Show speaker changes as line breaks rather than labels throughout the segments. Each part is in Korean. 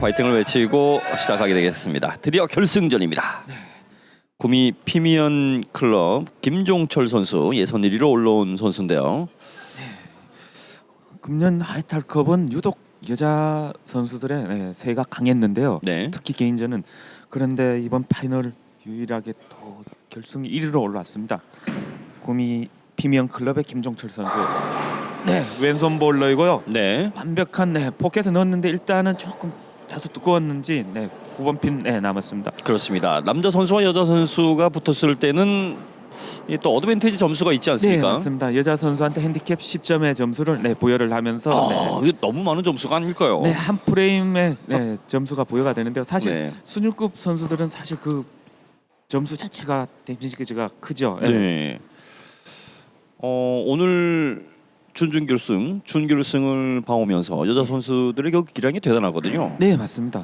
파이팅을 외치고 시작하게 되겠습니다. 드디어 결승전입니다. 구미 피미언 클럽 김종철 선수 예선 1위로 올라온 선수인데요.
금년 하이탈컵은 유독 여자 선수들의 세가 강했는데요.
네.
특히 개인전은. 그런데 이번 파이널 유일하게 또 결승 1위로 올라왔습니다. 구미 피미언 클럽의 김종철 선수. 네, 왼손 볼러이고요.
네.
완벽한 포켓에 넣었는데 일단은 조금 다소 두꺼웠는지 9번 핀 남았습니다.
그렇습니다. 남자 선수와 여자 선수가 붙었을 때는 또 어드밴티지 점수가 있지
네,
않습니까?
맞습니다. 여자 선수한테 핸디캡 10점의 점수를 부여를 하면서
이게 너무 많은 점수가 아닐까요?
한 프레임에 점수가 부여가 되는데요. 사실
네.
순위급 선수들은 사실 그 점수 자체가 데미지가 크죠.
네. 오늘 준결승을 봐오면서 여자 선수들의 기량이 대단하거든요.
네, 맞습니다.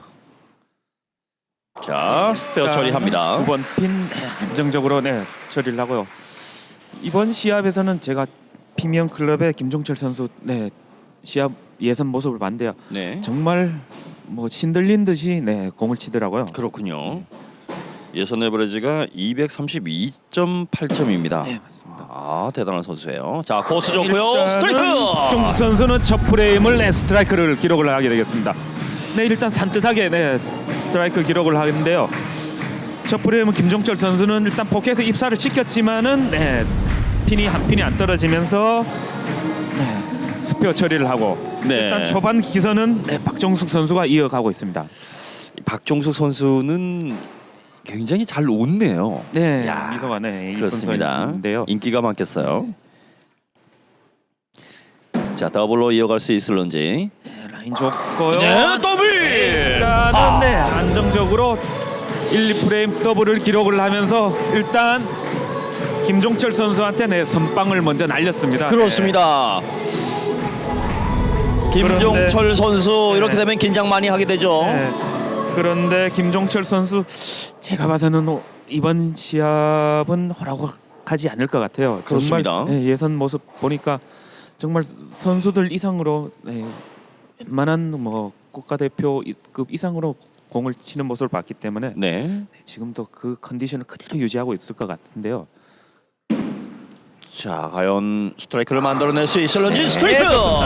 자, 스페어 처리합니다.
9번 핀 안정적으로 처리를 하고요. 이번 시합에서는 제가 피미언 클럽의 김종철 선수 시합 예선 모습을 봤는데요.
네.
정말 뭐 신들린 듯이 공을 치더라고요.
그렇군요. 예선 에버리지가 232.8점입니다.
네, 맞습니다.
대단한 선수예요. 자, 코스 좋고요. 스트라이크.
김종철 선수는 첫 프레임을 스트라이크를 기록을 하게 되겠습니다. 일단 산뜻하게 스트라이크 기록을 하는데요. 첫 프레임은 김종철 선수는 일단 포켓에 입사를 시켰지만은 핀이 한 핀이 안 떨어지면서 스페어 처리를 하고 일단 초반 기선은 박종숙 선수가 이어가고 있습니다.
박종숙 선수는 굉장히 잘 웃네요. 야,
미소가 이쁜
그렇습니다.
선수인데요.
인기가 많겠어요. 자, 더블로 이어갈 수 있을런지.
라인 좋고요.
더블.
일단은 안정적으로 1, 2프레임 더블을 기록을 하면서 일단 김종철 선수한테 선빵을 먼저 날렸습니다.
그렇습니다. 김종철 선수 이렇게 되면 긴장 많이 하게 되죠.
그런데 김종철 선수 제가 봐서는 이번 시합은 허락하지 않을 것 같아요.
그렇습니다.
정말 예선 모습 보니까 정말 선수들 이상으로 웬만한 국가대표급 이상으로 공을 치는 모습을 봤기 때문에 지금도 그 컨디션을 그대로 유지하고 있을 것 같은데요.
자, 과연 스트라이크를 만들어낼 수 있을런지. 스트라이크.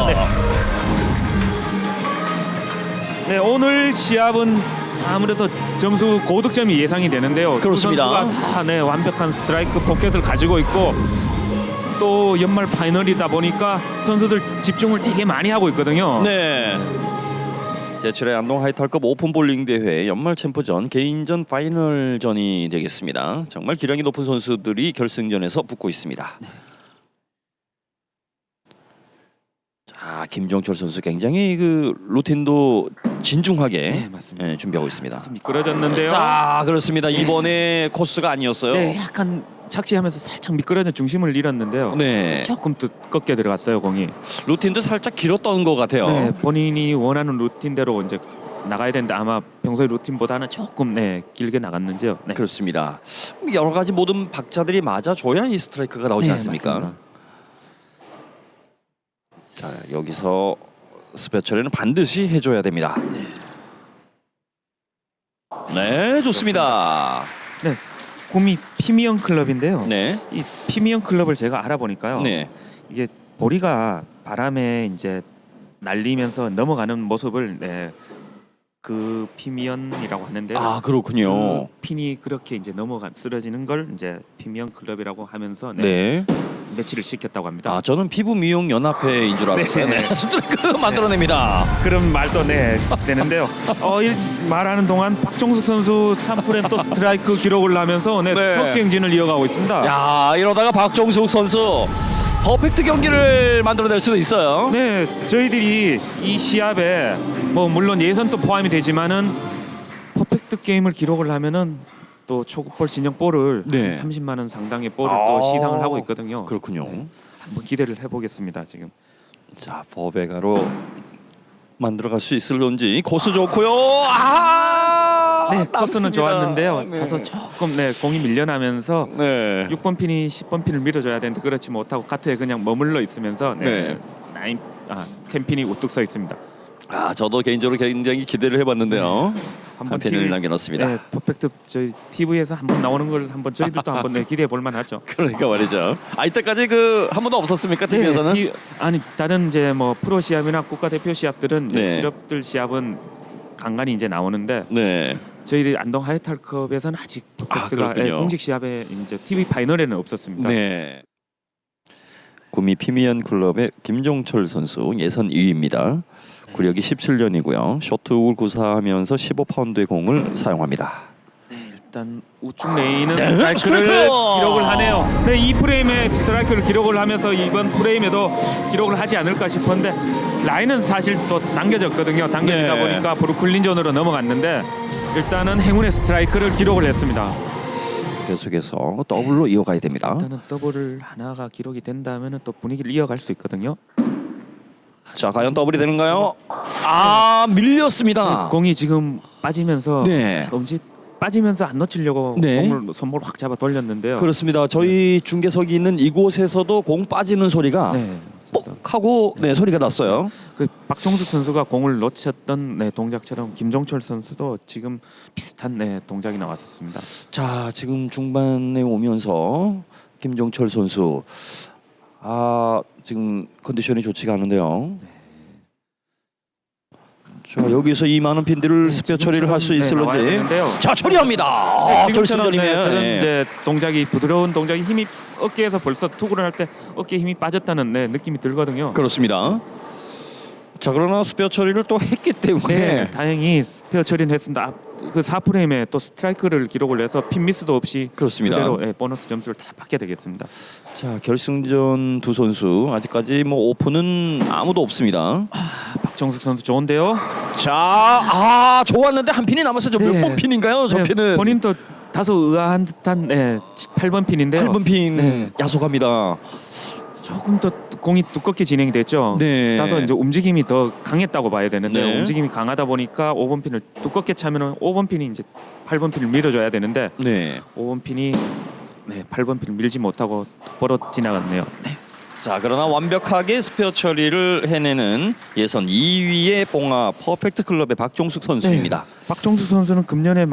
오늘 시합은 아무래도 점수 고득점이 예상이 되는데요.
그렇습니다.
두 선수가 다 완벽한 스트라이크 포켓을 가지고 있고 또 연말 파이널이다 보니까 선수들 집중을 되게 많이 하고 있거든요.
네. 제7회 안동 하이탈급 오픈 볼링 대회 연말 챔프전 개인전 파이널전이 되겠습니다. 정말 기량이 높은 선수들이 결승전에서 붙고 있습니다. 자, 김종철 선수 굉장히 그 루틴도 진중하게 준비하고 있습니다.
미끄러졌는데요.
자, 그렇습니다. 이번에 코스가 아니었어요.
약간 착지하면서 살짝 미끄러져 중심을 잃었는데요. 조금 두껍게 들어갔어요, 공이.
루틴도 살짝 길었던 것 같아요.
본인이 원하는 루틴대로 이제 나가야 되는데 아마 평소의 루틴보다는 조금 길게 나갔는지요.
그렇습니다. 여러 가지 모든 박자들이 맞아줘야 이 스트라이크가 나오지 않습니까?
맞습니다.
자, 여기서 스페어 처리는 반드시 해줘야 됩니다. 네, 좋습니다.
구미 피미언 클럽인데요.
네.
이 피미언 클럽을 제가 알아보니까요. 이게 보리가 바람에 이제 날리면서 넘어가는 모습을 그 피미언이라고 하는데요.
그렇군요.
그 핀이 그렇게 이제 쓰러지는 걸 이제 피미언 클럽이라고 하면서 매치를 시켰다고 합니다.
저는 피부 미용 연합회인 줄 알았어요. 스트라이크 만들어냅니다.
그런 말도 되는데요. 말하는 동안 박종숙 선수 3프레임 또 스트라이크 기록을 하면서 터키 행진을 이어가고 있습니다.
야, 이러다가 박종숙 선수 퍼펙트 경기를 만들어낼 수도 있어요.
저희들이 이 시합에 물론 예선도 포함이 되지만은 퍼펙트 게임을 기록을 하면은 또 초급볼 신형 볼을 30만 원 상당의 볼을 또 시상을 하고 있거든요.
그렇군요.
한번 기대를 해보겠습니다. 지금.
자, 버베가로 만들어갈 수 있을런지. 코스 좋고요.
코스는 좋았는데요. 다소 조금 공이 밀려나면서 6번 핀이 10번 핀을 밀어줘야 되는데 그렇지 못하고 카트에 그냥 머물러 있으면서 10핀이 우뚝 서 있습니다.
저도 개인적으로 굉장히 기대를 해봤는데요.
한번
한 팬을 남겨놓습니다.
네, 퍼펙트 저희 TV에서 한번 나오는 걸 한번 저희들도 한번 기대해 볼 만하죠.
그러니까 말이죠. 이때까지 한 번도 없었습니까, TV에서는?
아니 다른 이제 뭐 프로 시합이나 국가대표 시합들은 이제
네.
실업들 시합은 간간히 이제 나오는데
네.
저희들 안동 하이탈컵에서는 아직 퍼펙트가
그렇군요.
공식 시합에 이제 TV 파이널에는 없었습니다.
네. 구미 피미언 클럽의 김종철 선수 예선 2위입니다. 구력이 17년이고요. 쇼트훅을 구사하면서 15파운드의 공을 사용합니다.
일단 우측 레인은
네,
스트라이크를
스트라이크!
기록을 하네요. 네, 이 프레임에 스트라이크를 기록을 하면서 이번 프레임에도 기록을 하지 않을까 싶었는데 라인은 사실 또 당겨졌거든요. 당겨지다
네.
보니까 브루클린 존으로 넘어갔는데 일단은 행운의 스트라이크를 기록을 했습니다.
계속해서 더블로 이어가야 됩니다.
일단은 더블을 하나가 기록이 된다면은 또 분위기를 이어갈 수 있거든요.
자, 과연 더블이 되는가요? 밀렸습니다.
공이 지금 빠지면서
네.
엄지 빠지면서 안 놓치려고
네.
공을 손목을 확 잡아 돌렸는데요.
그렇습니다. 저희 중계석이 있는 이곳에서도 공 빠지는 소리가
네.
뽁 하고 소리가 났어요.
그 박종숙 선수가 공을 놓쳤던 동작처럼 김종철 선수도 지금 비슷한 동작이 나왔었습니다.
자, 지금 중반에 오면서 김종철 선수 지금 컨디션이 좋지가 않은데요. 자, 여기서 이 많은 핀들을 스페어 처리를 할 수 있을런지. 자, 처리합니다.
지금처럼
결승전이네요.
저런
네.
이제 동작이 부드러운 동작이 힘이 어깨에서 벌써 투구를 할 때 어깨에 힘이 빠졌다는 느낌이 들거든요.
그렇습니다. 자, 그러나 스페어 처리를 또 했기 때문에
네, 다행히 스페어 처리는 했습니다. 그 4프레임에 또 스트라이크를 기록을 해서 핀 미스도 없이
그렇습니다.
그대로 보너스 점수를 다 받게 되겠습니다.
자, 결승전 두 선수 아직까지 오픈은 아무도 없습니다.
박정숙 선수 좋은데요.
자, 좋았는데 한 핀이 남았어요. 몇
네.
번 핀인가요? 저 핀은
본인도 다소 의아한 듯한 8번 핀인데요.
8번 핀
네.
야속합니다.
조금 더 공이 두껍게 진행이 됐죠.
네.
다소 이제 움직임이 더 강했다고 봐야 되는데
네.
움직임이 강하다 보니까 5번 핀을 두껍게 차면은 5번 핀이 이제 8번 핀을 밀어줘야 되는데
네.
5번 핀이 8번 핀을 밀지 못하고 똑바로 지나갔네요.
자, 그러나 완벽하게 스페어 처리를 해내는 예선 2위의 봉화 퍼펙트 클럽의 박종숙 선수입니다.
박종수 선수는 금년에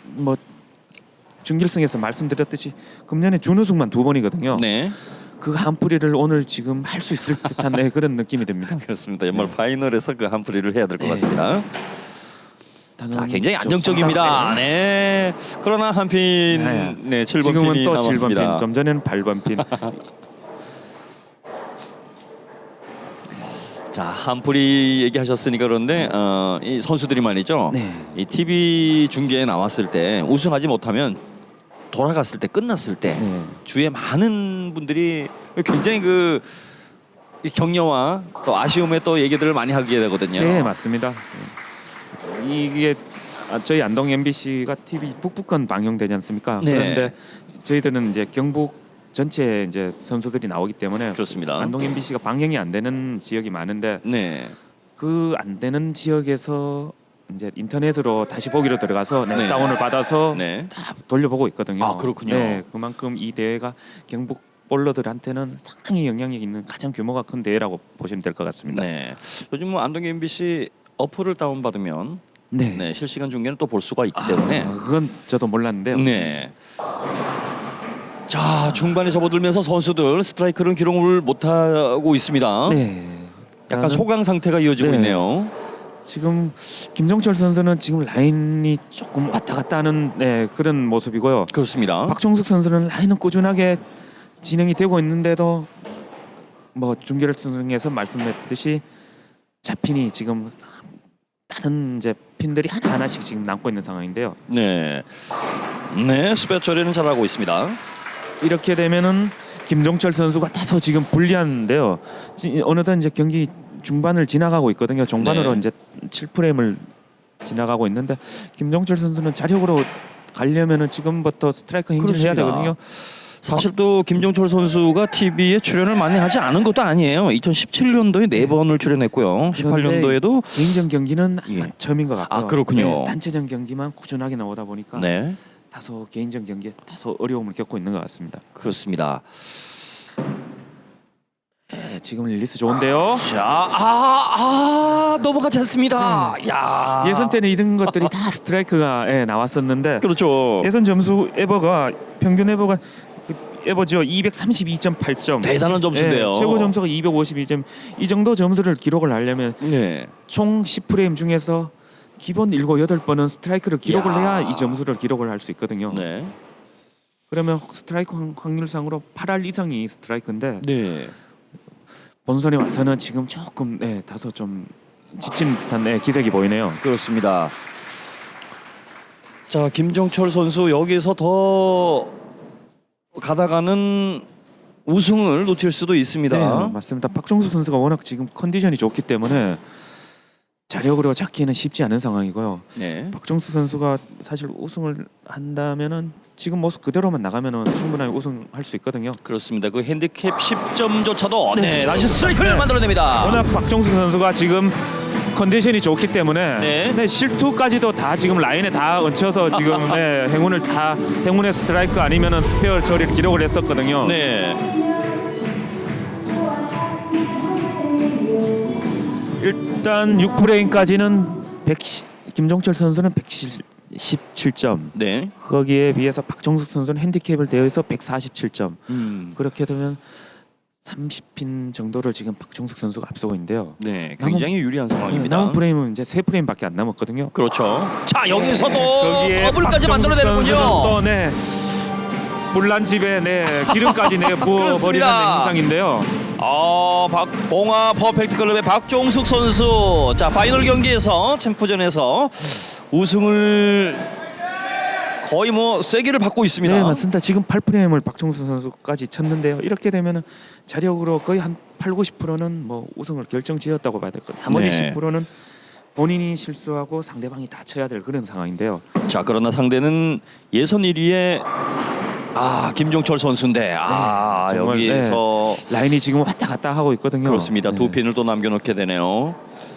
준결승에서 말씀드렸듯이 금년에 준우승만 2번이거든요.
네.
그 한풀이를 오늘 지금 할 수 있을 듯한 그런 느낌이 듭니다.
그렇습니다. 연말 파이널에서 그 한풀이를 해야 될 것 같습니다. 자, 굉장히
좀
안정적입니다. 네. 그러나 한 핀,
네.
7번
지금은
핀이
또
남았습니다.
7번 핀, 좀 전에는 8번 핀.
자, 한풀이 얘기하셨으니까 그런데 이 선수들이 말이죠.
네.
이 TV 중계에 나왔을 때 우승하지 못하면 돌아갔을 때 끝났을 때
네.
주위에 많은 분들이 굉장히 이 격려와 또 아쉬움의 또 얘기들을 많이 하게 되거든요.
네, 맞습니다. 이게 저희 안동 MBC가 TV 북부권 방영되지 않습니까?
네.
그런데 저희들은 이제 경북 전체 이제 선수들이 나오기 때문에
그렇습니다.
안동 MBC가 방영이 안 되는 지역이 많은데
네.
그 안 되는 지역에서 이제 인터넷으로 다시 보기로 들어가서
네.
다운을 받아서
네.
다 돌려보고 있거든요.
아, 그렇군요.
네, 그만큼 이 대회가 경북 볼러들한테는 상당히 영향력 있는 가장 규모가 큰 대회라고 보시면 될 것 같습니다.
네. 요즘 안동 MBC 어플을 다운 받으면
네.
실시간 중계는 또 볼 수가 있기 때문에
그건 저도 몰랐는데요.
네. 자, 중반에 접어들면서 선수들 스트라이크는 기록을 못 하고 있습니다.
네.
약간 소강 상태가 이어지고
네.
있네요.
지금 김종철 선수는 지금 라인이 조금 왔다 갔다 하는 그런 모습이고요.
그렇습니다.
박종숙 선수는 라인은 꾸준하게 진행이 되고 있는데도 중결승에서 말씀드렸듯이 잡핀이 지금 다른 이제 핀들이 하나씩 지금 남고 있는 상황인데요.
네. 네, 스페어 처리는 잘하고 있습니다.
이렇게 되면은 김종철 선수가 다소 지금 불리한데요. 어느덧 이제 경기 중반을 지나가고 있거든요. 종반으로
네.
이제 7프레임을 지나가고 있는데 김종철 선수는 자력으로 가려면은 지금부터 스트라이크 행진을 해야
그렇습니다.
되거든요.
사실 또 김종철 선수가 TV에 출연을 많이 하지 않은 것도 아니에요. 2017년도에 4번을 출연했고요. 18년도에도
개인전 경기는
예.
처음인 것 같고요.
아, 그렇군요.
단체전 경기만 꾸준하게 나오다 보니까
네,
다소 개인전 경기에 다소 어려움을 겪고 있는 것 같습니다.
그렇습니다.
지금 릴리스 좋은데요.
자, 넘어가지 않습니다. 야,
예선 때는 이런 것들이 다 스트라이크가 나왔었는데
그렇죠.
예선 점수 에버가 평균 에버가 에버죠 232.8점
대단한 점수인데요.
최고 점수가 252점. 이 정도 점수를 기록을 하려면
네.
총 10프레임 중에서 기본 7, 8번은 스트라이크를 기록을
야.
해야 이 점수를 기록을 할 수 있거든요.
네.
그러면 스트라이크 확률상으로 8할 이상이 스트라이크인데
네.
본선에 와서는 지금 조금 다소 좀 지친 듯한 기색이 보이네요.
그렇습니다. 자, 김정철 선수 여기서 더 가다가는 우승을 놓칠 수도 있습니다.
네, 맞습니다. 박종수 선수가 워낙 지금 컨디션이 좋기 때문에 자력으로 잡기는 쉽지 않은 상황이고요.
네.
박종수 선수가 사실 우승을 한다면은 지금 모습 그대로만 나가면은 충분하게 우승할 수 있거든요.
그렇습니다. 그 핸디캡 10점조차도 다시 스트라이크를
네.
만들어냅니다.
워낙 박종수 선수가 지금 컨디션이 좋기 때문에
네.
실투까지도 다 지금 라인에 다 얹혀서 지금 행운의 스트라이크 아니면은 스페어 처리를 기록을 했었거든요.
네.
일단 6프레임까지는 김종철 선수는 117점.
네.
거기에 비해서 박종숙 선수는 핸디캡을 대해서 147점. 그렇게 되면 30핀 정도를 지금 박종숙 선수가 앞서고 있는데요.
네. 굉장히 유리한 상황입니다.
남은 프레임은 이제 3프레임밖에 안 남았거든요.
그렇죠. 자, 여기서도
거기에
더블까지
박종숙
만들어내는군요.
선수는 또 물란집에 기름까지 부어버리는
그렇습니다.
형상인데요.
봉화 퍼펙트 클럽의 박종숙 선수. 자, 파이널 경기에서 챔프전에서 우승을 거의 세기를 받고 있습니다.
네, 맞습니다. 지금 8프레임을 박종수 선수까지 쳤는데요. 이렇게 되면은 자력으로 거의 한 8, 90%는 우승을 결정지었다고 봐야 될 것. 나머지
네.
10%는 본인이 실수하고 상대방이 다 쳐야 될 그런 상황인데요.
자, 그러나 상대는 예선 1위의 김종철 선수인데
정말,
여기서
라인이 지금 왔다 갔다 하고 있거든요.
그렇습니다.
네.
두 핀을 또 남겨놓게 되네요.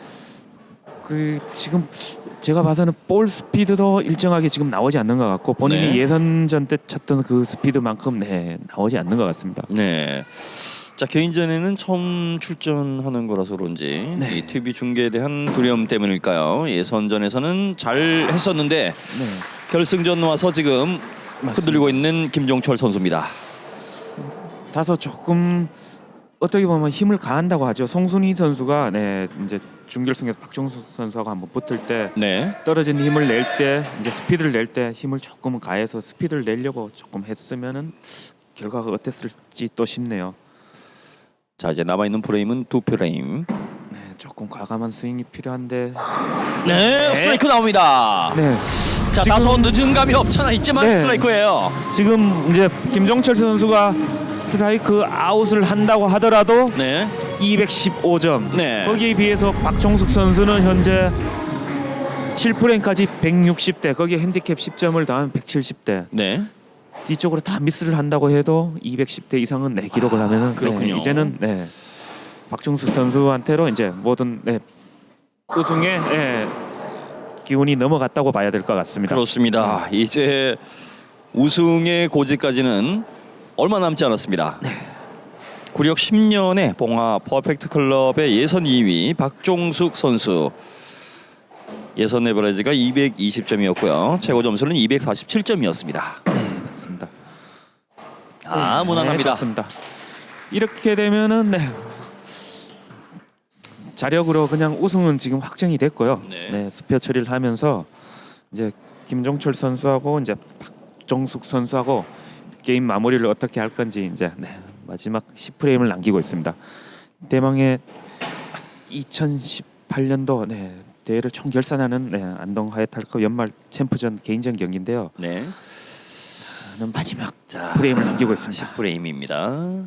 지금 제가 봐서는 볼 스피드도 일정하게 지금 나오지 않는 것 같고 본인이
네.
예선전 때 쳤던 그 스피드만큼 나오지 않는 것 같습니다.
네. 자, 개인전에는 처음 출전하는 거라서 그런지 이 TV 중계에 대한 두려움 때문일까요? 예선전에서는 잘 했었는데 결승전 와서 지금 흔들리고 있는 김종철 선수입니다.
다소 조금 어떻게 보면 힘을 가한다고 하죠. 송순희 선수가 이제 준결승에서 박종수 선수하고 한번 붙을 때 떨어진 힘을 낼 때 이제 스피드를 낼 때 힘을 조금은 가해서 스피드를 내려고 조금 했으면은 결과가 어땠을지 또 싶네요.
자, 이제 남아 있는 프레임은 2프레임.
조금 과감한 스윙이 필요한데
스트라이크 나옵니다. 자,
지금-
다소 늦은 감이 없잖아 있지만 스트라이크예요.
지금 이제 김종철 선수가 스트라이크 아웃을 한다고 하더라도 215점. 거기에 비해서 박종숙 선수는 현재 7프레임까지 160대. 거기에 핸디캡 10점을 더하면 170대. 뒤쪽으로 다 미스를 한다고 해도 210대 이상은 기록을 하면은
그렇군요.
이제는 박종숙 선수한테로 이제 모든 우승의 기운이 넘어갔다고 봐야 될 것 같습니다.
그렇습니다. 이제 우승의 고지까지는 얼마 남지 않았습니다. 구력 10년의 봉화 퍼펙트 클럽의 예선 2위 박종숙 선수. 예선 에버리지가 220점이었고요. 최고 점수는 247점이었습니다.
맞습니다.
무난합니다.
좋습니다. 이렇게 되면은 자력으로 그냥 우승은 지금 확정이 됐고요. 스페어 처리를 하면서 이제 김종철 선수하고 이제 박종숙 선수하고 게임 마무리를 어떻게 할 건지 이제 마지막 10프레임을 남기고 있습니다. 대망의 2018년도 대회를 총결산하는 안동 하이탈컵 연말 챔프전 개인전 경기인데요. 마지막 프레임을 남기고 있습니다.
10프레임입니다.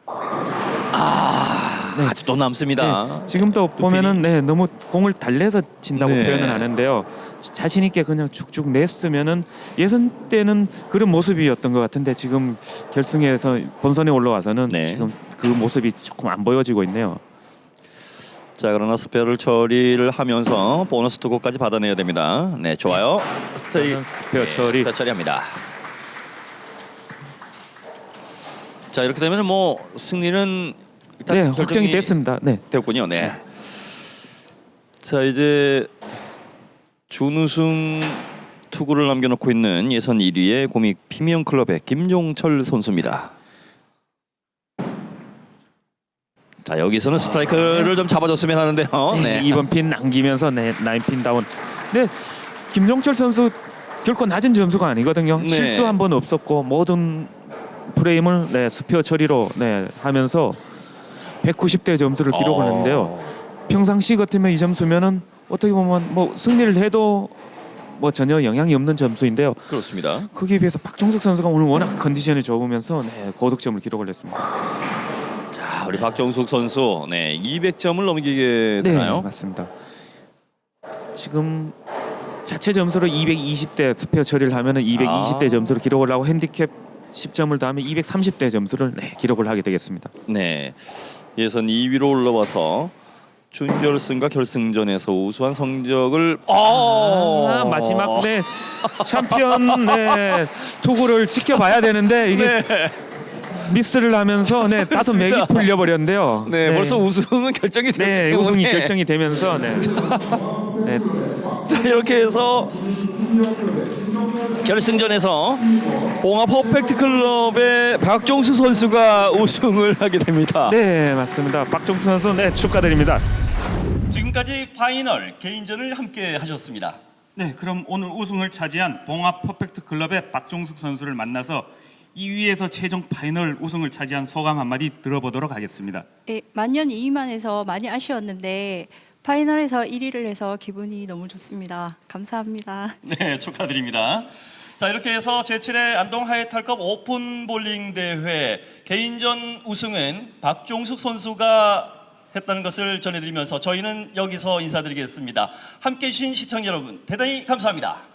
아직도 남습니다.
지금도 보면은 너무 공을 달래서 친다고
네.
표현을 하는데요. 자신 있게 그냥 쭉쭉 냈으면은 예선 때는 그런 모습이었던 것 같은데 지금 결승에서 본선에 올라와서는 지금 그 모습이 조금 안 보여지고 있네요.
자, 그러나 스페어를 처리를 하면서 보너스 투구까지 받아내야 됩니다. 좋아요.
스페어 처리.
스페어 처리합니다. 자, 이렇게 되면 승리는 일단
네,
결정이
확정이 됐습니다. 네.
됐군요. 네. 자 이제 준우승 투구를 남겨놓고 있는 예선 1위의 고믹 피미언 클럽의 김종철 선수입니다. 자 여기서는 스트라이크를 좀 잡아줬으면 하는데요. 네.
2번 핀 남기면서 네, 9핀 다운. 네, 김종철 선수 결코 낮은 점수가 아니거든요.
네.
실수 한 번 없었고 모든 프레임을 네, 스피어 처리로 네, 하면서 190대 점수를 기록을 했는데요. 평상시 같으면 이 점수면은 어떻게 보면 뭐 승리를 해도 뭐 전혀 영향이 없는 점수인데요.
그렇습니다.
거기에 비해서 박종숙 선수가 오늘 워낙 컨디션이 좋으면서 네, 고득점을 기록을 했습니다.
자 우리 박종숙 선수 네 200점을 넘기게 되나요?
네, 맞습니다. 지금 자체 점수로 220대 스페어 처리를 하면은 220대 점수를 기록을 하고 핸디캡 10점을 더하면 230대 점수를 네, 기록을 하게 되겠습니다.
네. 예선 2위로 올라와서 준결승과 결승전에서 우수한 성적을
마지막 네 챔피언 네 투구를 지켜봐야 되는데 이게
네.
미스를 하면서 네 다소 맥이 풀려 버렸는데요.
네, 벌써 우승은 결정이 됐기
네,
때문에
우승이 결정이 되면서 네. 네.
자, 이렇게 해서 결승전에서 봉합 퍼펙트 클럽의 박종수 선수가 우승을 하게 됩니다.
네, 맞습니다. 박종수 선수 네, 축하드립니다.
지금까지 파이널 개인전을 함께 하셨습니다.
네, 그럼 오늘 우승을 차지한 봉합 퍼펙트 클럽의 박종숙 선수를 만나서 2위에서 최종 파이널 우승을 차지한 소감 한마디 들어보도록 하겠습니다.
예, 만년 2위만 해서 많이 아쉬웠는데 파이널에서 1위를 해서 기분이 너무 좋습니다. 감사합니다.
네, 축하드립니다. 자, 이렇게 해서 제7회 안동 하이탈컵 오픈 볼링 대회 개인전 우승은 박종숙 선수가 했다는 것을 전해드리면서 저희는 여기서 인사드리겠습니다. 함께해 주신 시청자 여러분 대단히 감사합니다.